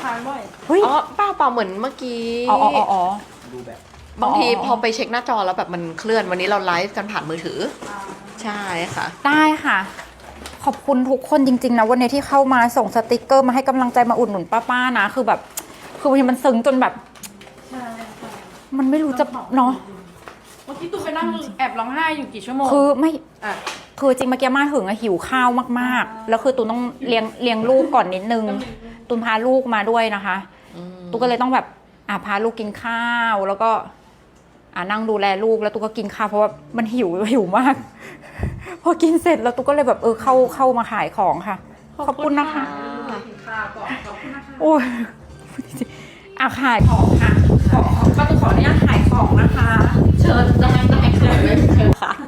ทานบ่อยเฮ้ยอ๋อเปล่าเหมือนเมื่อกี้อ๋อดูแบบบางทีพอไปเช็คหน้าจอแล้วแบบมันเคลื่อนวันนี้เราไลฟ์กันผ่านมือถือใช่ค่ะได้ค่ะ ขอบคุณทุกคนจริงๆนะวันนี้ที่เข้ามาส่งสติกเกอร์มาให้กำลังใจมาอุดหนุนป้าๆนะคือแบบคือบางทีมันซึ้งจนแบบใช่มันไม่รู้จะเนาะเมื่อกี้ตูไปนั่งแอบร้องไห้อยู่กี่ชั่วโมงคือไม่อ่ะคือจริงเมื่อกี้มาถึงอะหิวข้าวมากๆ แล้วคือตูนต้องเลี้ยงลูกก่อนนิดนึงตูนพาลูกมาด้วยนะคะตูก็เลยต้องแบบพาลูกกินข้าวแล้วก็นั่งดูแลลูกแล้วตูก็กินข้าวเพราะว่ามันหิวมาก พอกินเสร็จแล้วตูก็เลยแบบเข้ามาขายของค่ะ ขอบคุณนะคะกินข้าวก่อนขอบคุณนะคะโอ้ยขายของค่ะก็จะขออนุญาตขายของนะคะเชิญได้ค่ะไม่เชิญค่ะ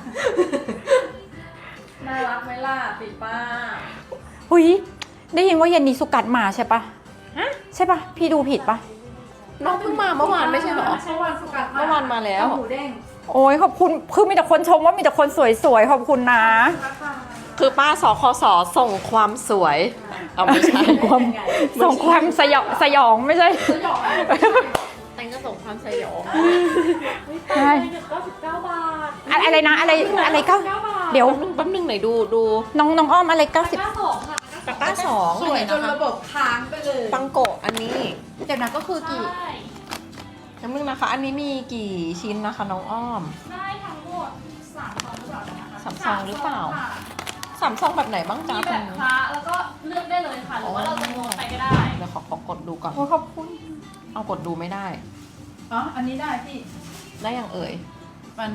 น่ารักไหมล่ะปีป้าหุยได้ยินว่าเย็นนี้สุกัดมาใช่ปะใช่ปะพี่ดูผิดปะน้องเพิ่งมาเมื่อวานไม่ใช่เหรอเมื่อวานสุกัดเมื่อวานมาแล้วหมูเด้งโอ้ยขอบคุณคือมีแต่คนชมว่ามีแต่คนสวยๆขอบคุณนะคือป้าสคสส่งความสวยเอาไม่ใช่ส่งความสยองไม่ใช่จะหยอกอะไรแต่งก็ส่งความสยองใช่ 99 บาทอะไรนะอะไรเก้าเดี๋ยวแป๊บนึงไหนดูน้องอ้อมอะไร90 92ค่ะตะกร้าสองสวยจนระบบค้างไปเลยปังโกะอันนี้เดี๋ยวนะก็คือกี่แป๊บนึงนะคะ อันนี้มีกี่ชิ้นนะคะน้องอ้อมได้ทั้งหมด3 ซองหรือเปล่านะคะสามซองหรือเปล่า สามซองแบบไหนบ้างจ๊ะมีแบบคละแล้วก็เลือกได้เลยค่ะ หรือว่าเราจะโน้ตไปก็ได้เดี๋ยวขอกดดูก่อนโอ้ขอบคุณเอากดดูไม่ได้อ๋อ อันนี้ได้พี่ได้ยังเอ่ยมัน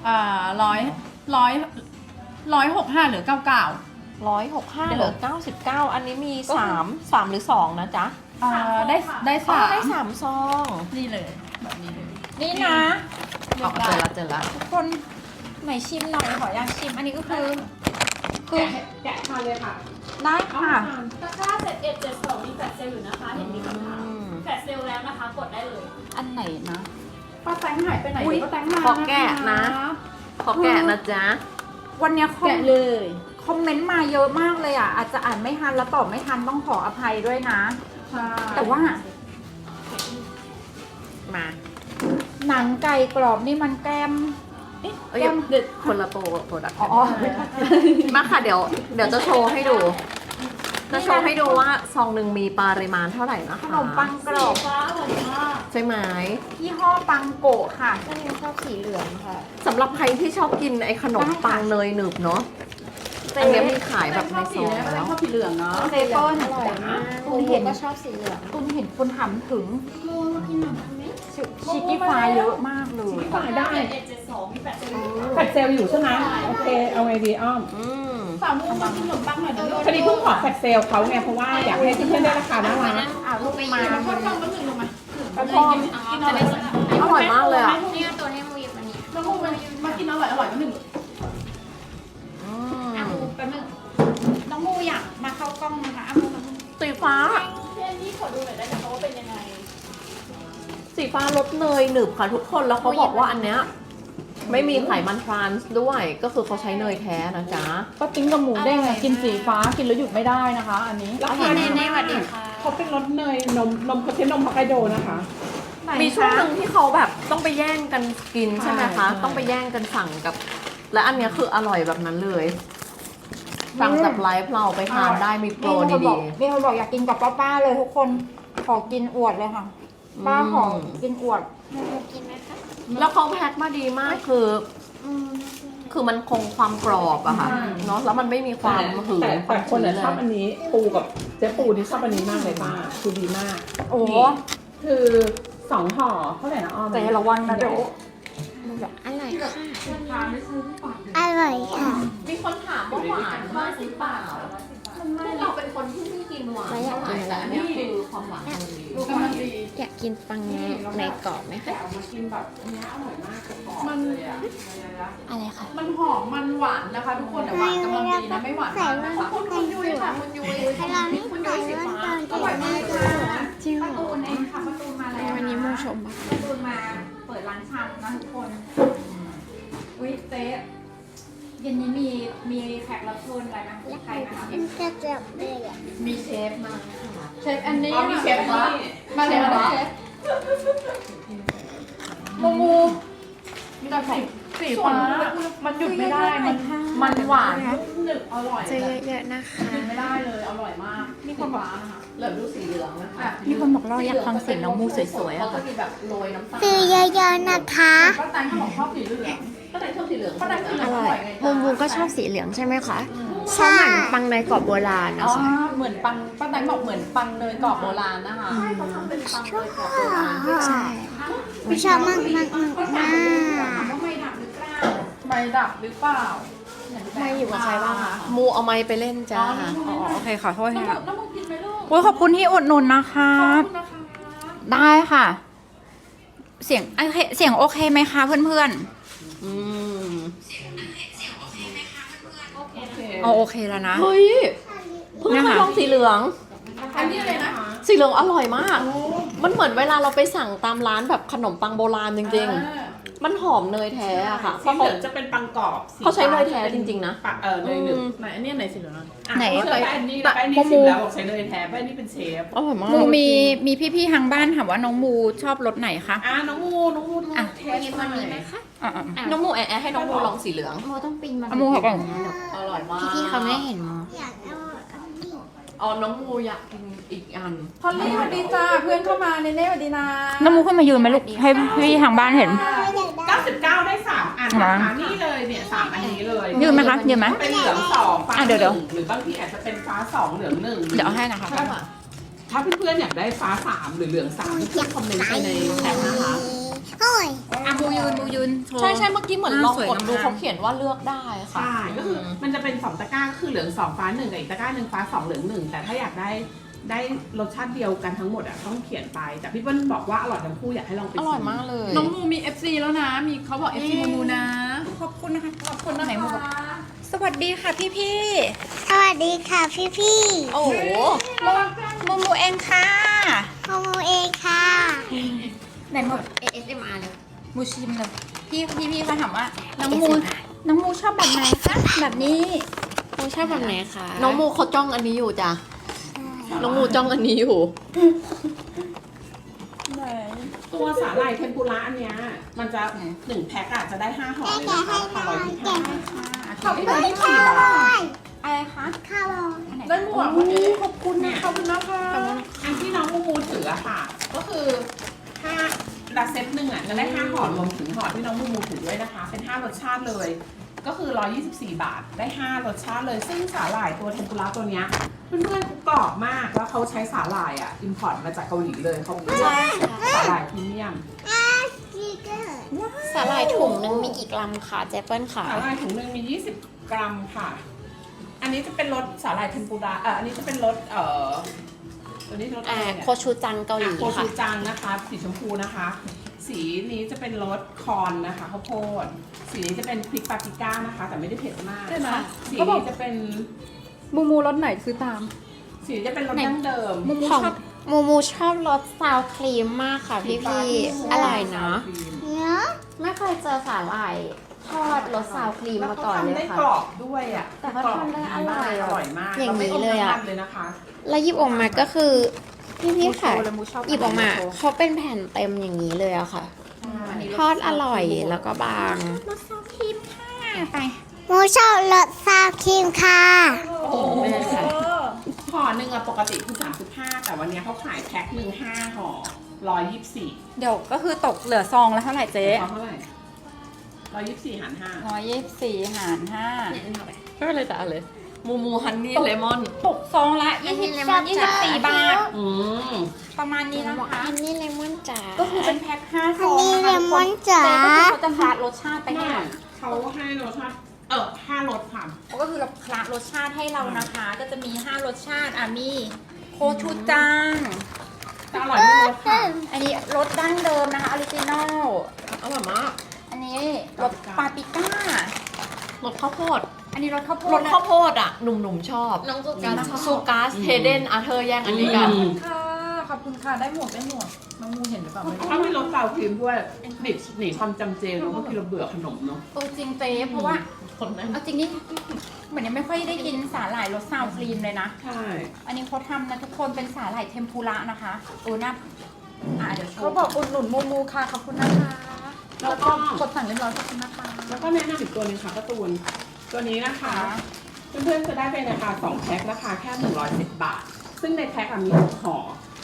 165หรือ99 165เหลือ99 อันนี้มี3หรือ2นะจ๊ะได้อ๋อ 3 ได้3ซองนี่เลยแบบนี้เลยนี่นะอ๋อเจอละทุกคนไหนชิมหน่อยขออยากชิมอันนี้ก็คือแกะทานเลยค่ะได้ค่ะตะกร้า7172มีแฟลชเซลล์อยู่นะคะ เห็นมีคำถามแฟลชเซลล์แล้วนะคะ กดได้เลยอันไหนนะป้าแตงหายไปไหนอุ๊ยป้าแตงมาขอแกะนะ ขอแกะนะจ๊ะวันเนี้ยแกะเลยคอมเมนต์มาเยอะมากเลยอ่ะอาจจะอ่านไม่ทันแล้วตอบไม่ทันต้องขออภัยด้วยนะใช่แต่ว่ามาหนังไก่กรอบนี่มันแก้มเอ้ยเด็ดคนละโปรดักต์อ๋อมาค่ะเดี๋ยวจะโชว์ให้ดู จะโชว์ให้ดูว่าซองหนึ่งมีปริมาณเท่าไหร่นะคะขนมปังกรอบฟ้าอร่อยมากใช่ไหมยี่ห้อปังโกะค่ะก็ยังชอบสีเหลืองค่ะสำหรับใครที่ชอบกินไอ้ขนมปังเนยหนึบเนาะอันเนี้ยมีขายแบบในซองแล้แล้ว วชอบสีเหลืองเนาะเซเปิลอร่อยมากตุนเห็นก็ชอบสีเหลืองตุนเห็นคนถามถึงมูมากินหน่อยได้ไหมชิคกี้พายเยอะมากเลยขายได้ 7172มีแฟลชเซลล์อยู่แฟดเซลอยู่ใช่ไหมโอเค เอาไงดีอ้อมอืมสามโมงมากินขนมปังหน่อยเดี๋ยวพอดีเพิ่งขอแฟดเซลเขาไงเพราะว่าอยากให้เพื่อนๆได้ราคาน่ารักลูกมาชอบฟังมันหนึ่งลงมากินอะไรสักอย่างอร่อยมากเลยอ่ะเนี่ยตัวให้มูหยิบอันนี้น้องมูมากินอร่อยมันหนึ่งอืมอามูแป๊บนึงน้องมูอยากมาเข้ากล้องนะคะอามูสีฟ้าพี่แอนนี่ขอดูหน่อยได้ไหมคะว่าเป็นยังไงสีฟ้ารสเนยหนึบค่ะทุกคนแล้วเขาบอกว่าอันเนี้ยไม่มีไขมันทรานส์ด้วย ก็คือเขาใช้เนยแท้นะจ๊ะก็ติ้งกับหมูเด้งกินสีฟ้ากินแล้วหยุดไม่ได้นะคะ อันนี้ราคาเนเน่สวัสดีค่ะเขาเป็นรสเนยนมเขาใช้นมฮอกไกโดนะคะมีช่วงหนึ่งที่เขาแบบต้องไปแย่งกันกินใช่ไหมคะ ต้องไปแย่งกันสั่งกับ และอันเนี้ยคืออร่อยแบบนั้นเลย สั่งจากไลฟ์เราไปทานได้มีโปรดีมีคนบอกอยากกินกับป้าๆเลยทุกคนขอกินอวดเลยค่ะ ป้าขอกินอวดหนูกินไหมคะๆแล้วเขาแพ็คมาดีมากคือมันคงความกรอบอะค่ะเนาะแล้วมันไม่มีความหืนแต่คนอะชอบอันนี้ปูกับเจ๊ปูที่ชอบอันนี้มากเลยป้าคือดีมากโอ้นี่คือ2 ห่อเท่าไหร่นะอ้อมแต่ระวังนะเดี๋ยวอร่อยค่ะ อร่อยค่ะมีคนถามว่าหวานมากหรือเปล่าเราเป็นคนที่ไม่กินหวานแล้วอยากกินอะไรแต่อันนี้คือความหวานมันดีดูกำลังดีอยากกินปังในกรอบไหมคะเอามากินแบบอันเนี้ยอร่อยมากกรอบมันเลยอะอะไรคะมันหอมมันหวานนะคะ ทุกคนแต่หวานกำลังดีนะไม่หวานมากนะคะคุณยุ้ยค่ะคุณยุ้ยให้เราไม่คุณใส่ยุ้ยสีแว่นฟ้าตอนอร่อยมากค่ะจริงเหรประตูอนเองค่ะประตูมาแล้ววันนี้มูชมปะประตูมาเปิดร้านชำนะทุกคนอุ้ยเจ๊เย็นนี้มีแขกรับเชิญอะไรนะใครนะคะมันจะจับเลยอ่ะมีเชฟมาค่ะเชฟแอนนี่อ๋อมีเชฟละมาเลยนะเชฟมูมูมีแต่สีฟ้ามันหยุดไม่ได้ มันหวานหนึบอร่อยเจอเยอะๆนะคะหยุดไม่ได้เลยอร่อยมากมีคนบอกนะคะเหลือดูสีเหลืองนะคะมีคนบอกเราอยากฟังเสียงน้องมูสวยๆเขาอะก็ค่ะมีแบบโรยน้ำตาลซื้อเยอะๆนะคะป้าแตงเขาบอกชอบสีเหลืองป้าแตงชอบสีเหลืองป้าแตงสีเหลือองร่อยไงมูก็ชอบสีเหลืองใช่ไหมคะใช่เหมือนปังในกรอบโบราณอ๋นะอคะเหมือนปังป้าแตงบอกเหมือนปังเนยกรอบโบราณนะคะเขาทำเป็นปังเลยกรอบโบราณใช่ไม่ชอบมากมากมากว่าไม่ดับหรือเปล่าไม่ดับหรือเปล่าไม่อยู่กับใครบ้างคะมูเอาไม้ไปเล่นจ้าอ๋อโอเคขอโทษน้องค่ะน้องกินไหมลูกโอ้ยขอบคุณที่อุดหนุนนะคะขอบคุณนะคะได้ค่ะ เสียงโอเคเสียงโอเคไหมคะเพื่อนอืมๆโอเคแล้วนะเฮ้ยเพิ่งเคยลองสีเหลืองอันนี้เลยนะสีเหลืองอร่อยมาก มันเหมือนเวลาเราไปสั่งตามร้านแบบขนมปังโบราณจริงๆ มันหอมเนยแท้อะค่ะ เพสีราะเหเขาลืองจะเป็นปังกรอบสีเขาใช้เนยแท้จริงๆนะปเนยหนึบไหนอันนี้ไหนสีเหลืองอ่ะไหนเชื่อแป้นนี่แป้นนี่ชิมแล้วบอกใช้เนยแท้แป้นนี่เป็นเชฟอร่อยมากมูมีพี่ๆทางบ้านถามว่าน้องมูชอบรสไหนคะน้องมูเทสหน่อยอ่ะน้องมูแอะให้น้องมูลองสีเหลืองโมต้องปีนมาเอามูเขาก่อนอร่อยมากพี่เขาไม่เห็นโมอ๋อน้องมูอยากกินอีกอันพอลลี่สวัสดีจ้าเพื่อนเข้ามาเนเน่สวัสดีนะน้องมูขึ้นมายืนไหมลูกให้พี่ทางบ้านเห็น 99 ได้ 3 อันนะคะนี่เลยเนี่ย 3 อันนี้เลยยืนไหมคะยืนไหมเป็นเหลือง2ฟ้าอ่ะเดี๋ยว 1หรือบางทีอาจจะเป็นฟ้า2เหลือง1 เดี๋ยวเอาให้นะคะถ้าเพื่อนๆอยากได้ฟ้า3หรือเหลือง3เพื่อนๆคอมเมนต์ไปในแชทนะคะโอ้ยอ่ะมูยืนโชว์ใช่เมื่อกี้เหมือนลองสวยกดดูงามเขาเขียนว่าเลือกได้ค่ะใช่ก็คือมันจะเป็น2ตะกร้าคือเหลือง2ฟ้า1กับอีกตะกร้า1ฟ้า2เหลือง1แต่ถ้าอยากได้รสชาติเดียวกันทั้งหมดอ่ะต้องเขียนไปแต่พี่เปิ้ลบอกว่าอร่อยทั้งคู่อยากให้ลองไปอชิร่อยมากเลยน้องมูมี FC แล้วนะ มีเขาบอก FC มูมูนะขอบคุณนะคะขอบคุณนะไหนมูบอกคะสวัสดีค่ะพี่สวัสดีค่ะพี่โอ้โหๆมูเองค่ะๆโมเองค่ะไหนมู ASMR เลยมูชิมเลยพี่เขาถามว่าน้องมูชอบแบบไหนคะแบบนี้โมชอบแบบไหนคะน้องมูเขาจ้องอันนี้อยู่จ้ะ น้องมูจ้องอันนี้อยู่ตัวสาหร่ายเทมปุระอันเนี้ยมันจะ1แพ็คอะจะได้5ห่อเลยนะคะ125 ขอบคุณได้ค่ะ 4 บาทอะไรคะข้าวได้หมวกวันนี้ขอบคุณนะขอบคุณนะคะอันที่น้องมูมูถืออะค่ะ ก็คือถ้าละเซตหนึ่งอะจะได้5ห่อรวมถึงห่อที่น้องมูมูถือด้วยนะคะ เป็น5รสชาติเลย ก็คือ124 บาทได้5รสชาติเลย ซึ่งสาหร่ายตัวเทมปุระตัวเนี้ยเพื่อนๆกรอบมากแล้วเขาใช้สาหร่ายอะอิมพอร์ตมาจากเกาหลีเลยเขาเป็นสาหร่ายพรีเมียมสาหร่ายถุงนึงมีกี่กรัมคะเจเปิ้ลค่ะสาหร่ายถุงหนึ่งมี 20 กรัมค่ะ อันนี้จะเป็นรสสาหร่ายเทมปุระอันนี้จะเป็นรสตัวนี้รสอะไรเนี่ยโคชูจังเกาหลีโคชูค่ะจังนะคะ สีชมพูนะคะ สีนี้จะเป็นรสคอนนะคะข้าวโพด สีนี้จะเป็นพริกปาปริก้านะคะ แต่ไม่ได้เผ็ดมากใช่ไหมสีเขาบอกนี้จะเป็นมูมูรสไหนซื้อตามสีนี้จะเป็นรสดั้งเดิมมูมูของชอบมูชอบรสซาวครีมมากค่ะพี่อร่อยเนาะไม่เคยเจอสาหร่ายทอดรสซาวครีมแล้วมาเขาก่อนเลทำยได้ค่ะกรอบด้วยอ่ะแต่เขาทำได้อร่อยอร่อยมากอย่างนี้เลยอะราไม่มน้ำมันเลยนะคะแล้วหยิบออกมาก็คือพี่ค่ะมูชอบหยิบออกมาเขาเป็นแผ่นเต็มอย่างนี้เลยอะค่ะ ทอดอร่อยแล้วก็บางรสซาวครีมค่ะไปมูชอบรสซาวครีมค่ะโอ้โหห่อหนึ่งอะปกติคือ35แต่วันนี้เขาขายแพ็คหนึ่ง5ห่อ124 เดี๋ยวก็คือตกเหลือซองแล้วเท่าไหร่เจ๊เท่าไหร่124หาร5 124 หารไม่เป็นไรแต่อะไรมูฮันนี่เลมอน 5ตกซองละ24 บาทอืมประมาณนี้นะคะอันนี้เลมอนจ๋าก็คือเป็นแพ็ค5ซองอันนี้นะคะทุกคนเลมอนจ๋าเจ๊ก็คือเขาจะคลารสชาติไปให้ไม่หมดเขาให้รสชาติ5รสค่ะก็คือเราคลารสชาติให้เรานะคะ ก็จะมี5รสชาติมีโคชูจังแต่อร่อยไม่รสค่ะอันนี้รสดั้งเดิมนะคะออริจินอลอร่อยมากอันนี้รสปาปริก้ารสข้าวโพดอันนี้รสข้าวโพรดสข้าวโพดอ่ะ หนุ่มๆชอบน้องสุกัสซูกัสเฮเดนอาเธอร์แย่งอันนี้กันค่ะ ขอบคุณค่ะได้หมดน้องมูเห็นหรือเปล่าไม่รู้ถ้ามีรสซาวครีมด้วยหนีความจำเจเนาะบางทีเราเบื่อขนมเนาะจริงเจ๊เพราะว่าคนนั้นเอาจริงนี่เหมือนยังไม่ค่อยได้กินสาหร่ายรสซาวครีมเลยนะใช่อันนี้เขาทำนะทุกคนเป็นสาหร่ายเทมปุระนะคะน่าเดี๋ยวโชเขาว์บอกอุดหนุนมูค่ะขอบคุณนะคะแล้วก็กดสั่งเรียบร้อยขอบคุณนะคะแล้วก็แนะนำอีกตัวหนึงค่ะการ์ตูนตัวนี้นะคะ เพื่อนๆจะได้เป็นราคา2แพ็คราคาแค่110 บาท ซึ่งในแพ็คมี6ห่อ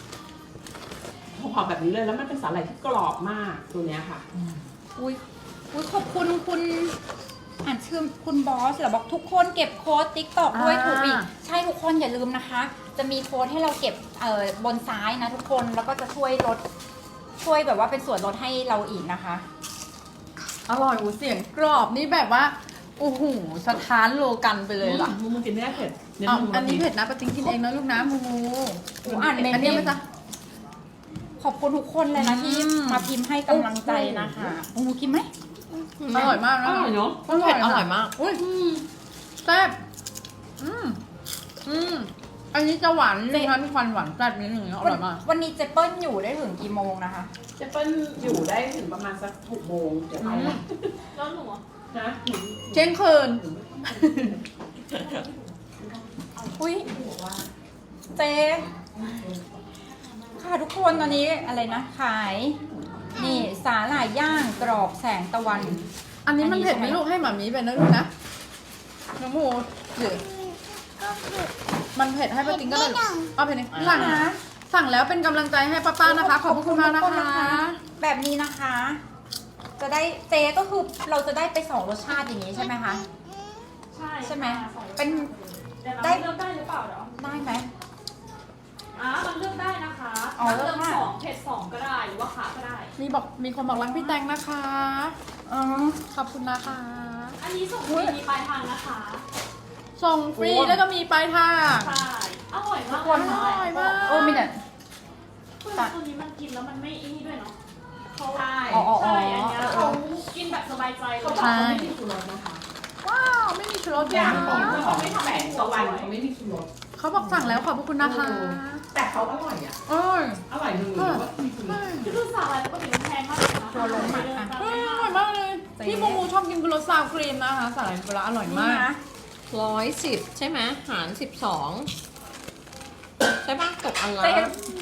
แบบนี้เลยแล้วมันเป็นสาหร่ายที่กรอบมากตัวเนี้ยค่ะอุ้ยขอบคุณคุณอ่านชื่อคุณบอสเหรอบอกทุกคนเก็บโค้ดติ๊กตอกด้วยถูกอีกใช่ทุกคนอย่าลืมนะคะ จะมีโค้ดให้เราเก็บบนซ้ายนะทุกคนแล้วก็จะช่วยแบบว่าเป็นส่วนลดให้เราอีกนะคะอร่อยเสียงกรอบนี่แบบว่าโอ้โหสถานโลกันไปเลยล่ะมูกินไม่ได้เผ็ดเน้นอ้าวมูอันนี้เผ็ดนะปะจริงกินเองนะลูกนะมูอ่านเมนอันนี้ไหมจ๊ะขอบคุณทุกคนเลยนะที่อืมมาพิมพ์ให้กำลังใจนะคะมูกินไหมอร่อยมากอนะร่อยเนาะเผ็ดอร่อยมากอุ้ยแซ่บอันนี้จะหวานนิดนึงนะมีความหวานแซ่บนิดนึงอร่อยมากวันนี้เจเปิ้ลอยู่ได้ถึงกี่โมงนะคะเจเปิ้ลอยู่ได้ถึงประมาณสัก6 โมงเดี๋ยวไปละแล้วหนูอะนะเที่ยงคืนอุ้ยเจ๊ค่ะทุกคนตอนนี้อะไรนะขายนี่สาหร่ายย่างกรอบแสงตะวันอันนี้มันเผ็ดไหมลูกให้หมามีไปนะลูกนะน้องมูหรือมันเผ็ดให้ป้าติ๊งก็ได้ลูกเอาเผ็ดนี่สั่งแล้วเป็นกำลังใจให้ป้าๆนะคะ ขอบคุณมากนะคะแบบนี้นะคะ จะได้เจ๊ก็คือเราจะได้ไปสองรสชาติอย่างนี้ใช่ไหมคะ ใช่ไหมเป็นแต่เราได้เลือกได้หรือเปล่าเดี๋ยวได้ไหมมันเลือกได้นะคะอ๋อเลือกเลือกได้ 2เผ็ด2ก็ได้หรือว่าขาก็ได้มีคนบอกรักพี่แตงนะคะขอบคุณนะคะอันนี้ส่งฟรีมีปลายทางนะคะส่งฟรีแล้วก็มีปลายทางใช่อร่อยมากอร่อยมากมีแต่คือตัวนี้มันกินแล้วมันไม่ไอ้นี่ด้วยเนาะเขาใช่อ๋อใช่อันเนี้ยเขากินแบบสบายใจเลเขายบอกเขาไม่มีชูรสนะคะว้าวไม่มีชูรสออย่าย่าง งของเจ้าของไม่ทำแบบตะวันเขาไม่มีชูรสเขาบอกสั่งแล้วขอบคุณนะคะแต่เขาอร่อยอ่ะโอ้ยอร่อยหนึ่งหรือว่ามีชูรสคือสาหร่ายปกติมันแพงมากเลยนะตัวลงมาค่ะอร่อยมากเลยพี่โมมูชอบกินกุโรซาวครีมนะคะสาหร่ายปลาอร่อยนี่มากนะ 110 ใช่ไหมหาร 12 ใช่ปะตกอันละเจ๊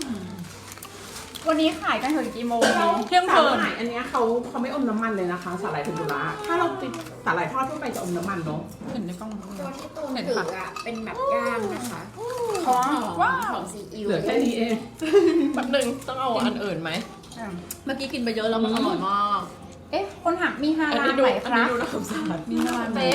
วันนี้ขายกันถึงกี่โมงดีเที่ยงคืนสาหร่ายอันเนี้ยเขาไม่อมน้ำมันเลยนะคะสาหร่ายเทมปุระถ้าเราติดสาหร่ายทอดทั่วไปจะอมน้ำมันเนาะเห็นในกล้องตัวที่ตูนเห็นถืค่ะออะเป็นแบบย่างนะคะว้าวของซีอิ๊วเหลือแค่นี้เองแป๊บนึงต้องเอาอันอื่นไหมเมื่อกี้กินไปเยอะแล้วมันอร่อยมากเอ๊ะคนถามมีฮาอันลานี้ลดูไหมอันครันี้บดูน่าสงสารมีน้ำมันไหม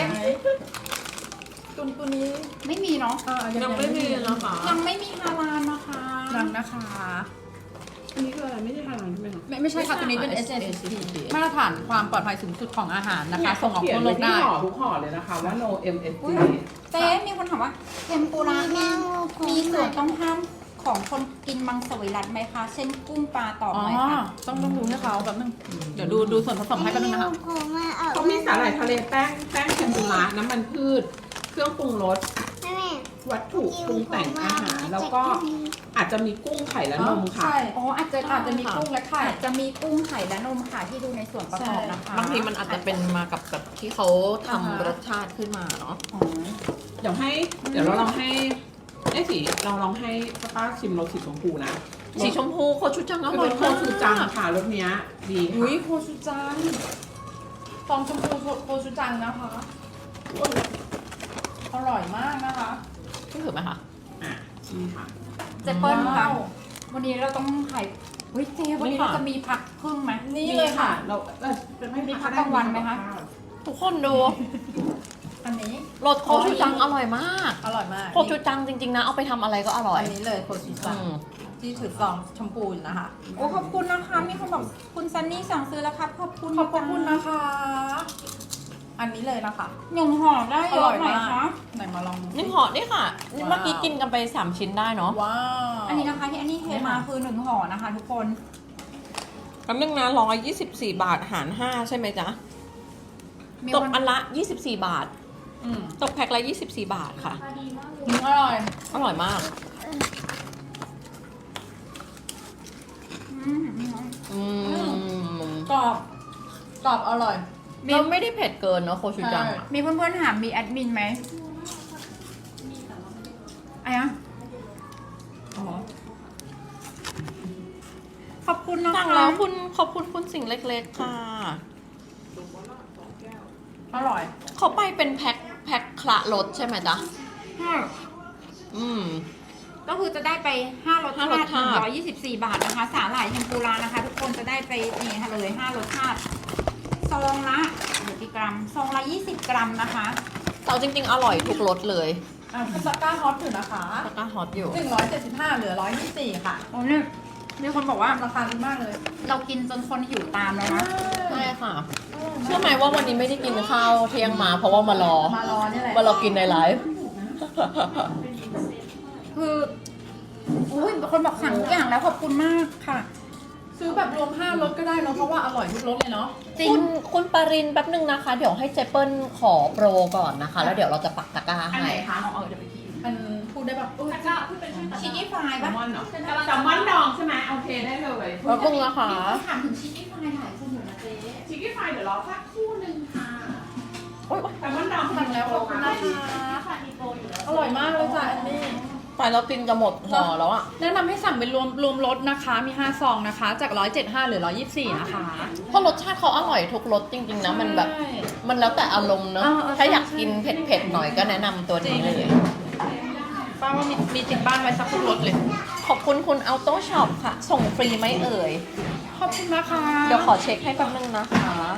ตัวนี้ไม่มีเนาะยังไม่มีนะคะยังไม่มีฮาลาลนะคะยังนะคะอันนี้คืออะไรไม่ใช่ทานใช่ไหมคะไม่ใช่ค่ะตัวนี้เป็น SSP มาตรฐานความปลอดภัยสูงสุดของอาหารนะคะ ส่งออกเขียทั่นวโลไว้กที่ได้ห่อทุกห่อเลยนะคะว่า no MSG เจ๊มีคนถามว่าเทมปุระมีส่วนต้องห้ามของคนกินมังสวิรัติไหมคะ เช่นกุ้งปลาต่ออ๋อไหมคะต้องดูให้เขาแป๊บนึงเดี๋ยวดูส่วนผสมให้แป๊บนึงนะคะเขามีสาหร่ายทะเลแป้งเทมปุระน้ำมันพืช เครื่องปรุงรส วัตถุปรุงแต่งอาหาร แล้วก็อาจจะมีกุ้งไข่และนมค่ะใช่อ๋ออาจจะมีกุ้งและไข่อาจจะมีกุ้งไข่และนมค่ะที่ดูในส่วนประกอบนะคะบางทีมันอาจจะเป็นมากับแบบที่เขาทำรสชาติขึ้นมาเนาะอ๋อเดี๋ยวเราลองให้เราลองให้ป้าชิมรสสีชมพูนะสีชมพูโคชูจังอคือร่อเป็ยนโคมากชูจังค่ะรสเนี้ยดีอุ้ยค่ะโคชูจังฟองชมพูโคชูจังนะคะอร่อยมากนะคะนี่ถือไหมคะอ่ะนี่ค่ะเจเปิ้ลค่ะว้าววันนี้เราต้องไข่เฮ้ยเจ๊วันนี้เราจะมีผักครึ่งไหมนี่เลยค่ะเราเป็นไม่มีพักกลางวันไหมคะทุกคนดูอันนี้รสโคชูจังอร่อยมากอร่อยมากโคชูจังจริงๆนะ เอาไปทำอะไรก็อร่อยอันนี้เลยโคชูจังอืมที่ถือซองชมพูอยู่นะคะโอ้ขอบคุณนะคะ มีคนบอกคุณซันนี่สั่งซื้อแล้วครับ ขอบคุณขอบคุณนะคะ อันนี้เลยนะคะหนึ่งห่อได้เยอะไหมคะไหนมาลองดูสินี่ห่อนี่ค่ะนี่เมื่อกี้กินกันไป 3 ชิ้นได้เนาะว้าวอันนี้นะคะที่อันนี้เทมาคือหนึ่งห่อนะคะ ทุกคนคำนึงนะ124 บาทหาร 5 ใช่ไหมจ๊ะมีตคกนอันละ 24 บาทอืมตกแพ็คละ 24 บาทค่ะราคาดีมากเลยอร่อยอร่อยมากกรอบอร่อยเราไม่ได้เผ็ดเกินเนาะโคชูจังอะมีเพื่อนๆถามมีแอดมินไหมอะไรอะอ๋อขอบคุณนะคะสั่งแล้วขอบคุณคุณสิ่งเล็กๆค่ะอร่อยเขาไปเป็นแพ็คคละรสใช่ไหมจ๊ะ อืมก็คือจะได้ไป5รสชาห้ารสติชาติ 124 บาทนะคะ สาหร่ายเทมปุระนะคะ ทุกคนจะได้ไปนี่ค่ะเลย5รสชาติซองละเดี๋ยวกี่กรัมซองละ20 กรัมนะคะแต่จริงๆ อร่อยทุกรสเลยตะกร้าฮอตอยู่นะคะแล้วก็ฮอตอยู่ 175เหลือ124ค่ะโอ้เนี่ยมีคนบอกว่าราคาดีมากเลยเรากินจนคนหิวตามแล้วนะใช่ค่ะ เชื่อไหมว่าวันนี้ไม่ได้กินข้าวเที่ยงมาเพราะว่ามารอมารอนี่แหละมารอกินในไลฟ์คืออุ้ยคนบอกสั่งทุกอย่างแล้วขอบคุณมากค่ะซื้อแบบรวม5รสก็ได้เนาะเพราะว่าอร่อยทุกรสเลยเนาะจริงคุณปารินแป๊บนึงนะคะ เดี๋ยวให้เจเปิลขอโปรก่อนนะคะ แล้วเดี๋ยวเราจะปักตะกร้าอันให้ไหนคะเอาเดี๋ยวไปกินมันพูดได้แบบตะกร้าพูดเป็นชื่อตะกชิคร้ากี้พายแซปะลมอนเหรอแซลมอนดองใช่ไหมโอเคได้เลยแป๊บนึงนะคะถามถึงชิคกี้พายหลายคนอยู่นะเจ๊ชิคกี้พายเดี๋ยวรอสักครู่หนึ่งค่ะโอ๊ยแซลมอนดองสั่งแล้วขอบคุณนะคะค่ะมีโปรอยู่แล้วอร่อยมากเลยจ้ะอันนี้ไปแล้วกินจะหมดห่อแล้วอะแนะนำให้สั่งเป็นรวมรสนะคะ มี 5 ซองนะคะ จาก 175เหรือ 124 นะคะเพราะรสชาติเขาอร่อยทุกรสจริงๆนะ มันแบบใช่มันแล้วแต่อารมณ์เนอะ ถ้าอยากกินเผ็ดๆหน่อยก็แนะนำตัวนี้เลยป้าว่ามีติดบ้านไว้สักทุกรสเลยขอบคุณคุณ Auto Shop ค่ะ ส่งฟรีไหมเอ่ยขอบคุณนะคะเดี๋ยวขอเช็คให้แป๊บนึงนะคะ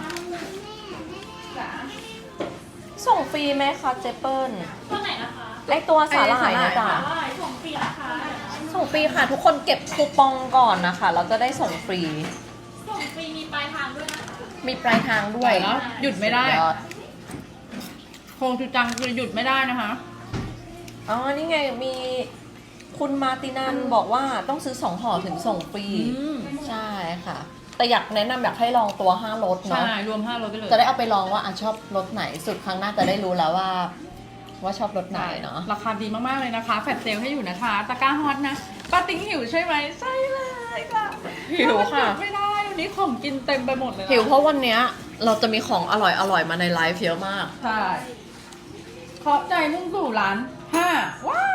ส่งฟรีไหมคะเจเปิลตัวไหนนะคะไอตัวสาหร่ายนะจ๊ะสาหร่ายส่งฟรีนะคะส่งฟรีค่ะ ทุกคนเก็บคูปองก่อนนะคะ เราจะได้ส่งฟรีส่งฟรีมีปลายทางด้วยนะคะมีปลายทางด้วยแล้วหยุดไม่ได้สุยอโคงจูจังคือหยุดไม่ได้นะคะอ๋อ นี่ไงมีคุณมาตินันบอกว่าต้องซื้อ2ห่อถึงส่งฟรี ใช่ค่ะ แต่อยากแนะนำอยากให้ลองตัว5รสใช่เนาะรวม5รสไปเลยจะได้เอาไปลองว่าชอบรสไหนสุดครั้งหน้าจะได้รู้แล้วว่าชอบรสไหนเนาะราคาดีมากๆเลยนะคะ แฟลชเซลให้อยู่นะคะ ตะกร้าฮอตนะป้าติ๊งหิวใช่ไหมใช่เลยค่ะหิวค่ะไม่ได้วันนี้ของกินเต็มไปหมดเลยนะหิวเพราะวันเนี้ยเราจะมีของอร่อยๆมาในไลฟ์เยอะมากใช่ขอบใจมุ่งสู่ร้าน5ว้าว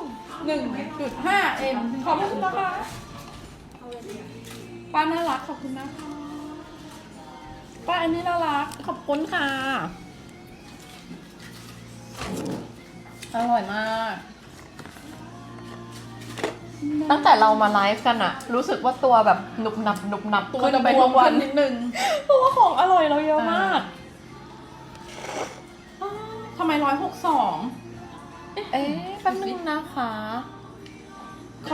1.5 M ขอบคุณนะคะป้าน่ารักขอบคุณนะคะป้าอันนี้น่ารักขอบคุณค่ะอร่อยมากตั้งแต่เรามาไลฟ์กันอะรู้สึกว่าตัวแบบหนุบหนับตัวจะไปทุกวันนิดนึงเพราะว่าของอร่อยเราเยอะมากทำไม162 เอ๊ะแป๊บนึงนะคะเขา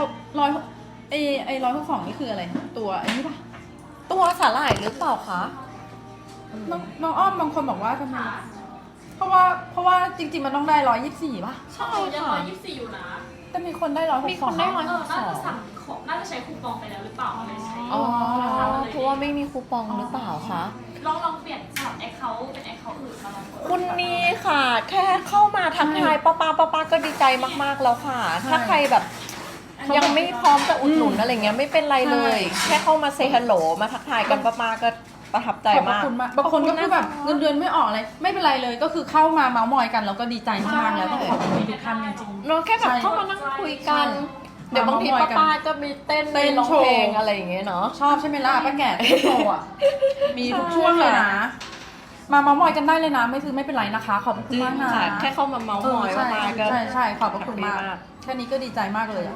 162นี่คืออะไร ตัวไอ้นี่ปะตัวสาหร่ายหรือเปล่าคะน้องอ้อมบางคนบอกว่าทำไมเพราะว่าจริงๆมันต้องได้124ป่ะใช่ยังค่ะ 124อยู่นะแต่มีคนได้162 มีคนได้น่าจะสั่งของน่าจะใช้คูปองไปแล้วหรือเปล่าอะไรใช้อ๋อเพราะว่าไม่มีคูปองหรือเปล่าคะลองเปลี่ยนสลับแอคเคาท์เป็นแอคเคาท์อื่นมาลองกดคุณนี่ค่ะ แค่เข้ามาทักทายป้าก็ดีใจมากๆแล้วค่ะ ถ้าใครแบบยังไม่พร้อมจะอุดหนุนอะไรเงี้ยไม่เป็นไรเลย แค่เข้ามาเซฮัลโหลมาทักทายกันป้าก็ประทับใจขอบมากคุณมากบางคนก็คือแบบเงินเดือนไม่ออกเลยไม่เป็นไรเลยก็คือเข้ามาเมาส์มอยกันแล้วก็ดีใจมากๆแล้วต้องขอบคุณทุกท่านจริงเราแค่แบบเข้ามานั่งคุยกัน เดี๋ยวบางทีป้าก็มีเต้นเต้นร้องโชว์เพลงอะไรอย่างเงี้ยเนาะๆชอบใช่ไหมล่ะป้าแก่ที่โชว์อ่ะมีทุกช่วงเลยนะ มาเมาส์มอยกันได้เลยนะไม่เป็นไรนะคะ ขอบคุณมากนะค่ะแค่เข้ามาเมาส์มอยใช่ป้าก็ใช่ขอบคุณมากแฮปปี้มากแค่นี้ก็ดีใจมากเลยอะ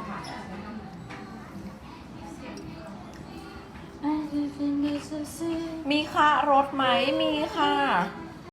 มีค่ะรถไหมมีค่ะ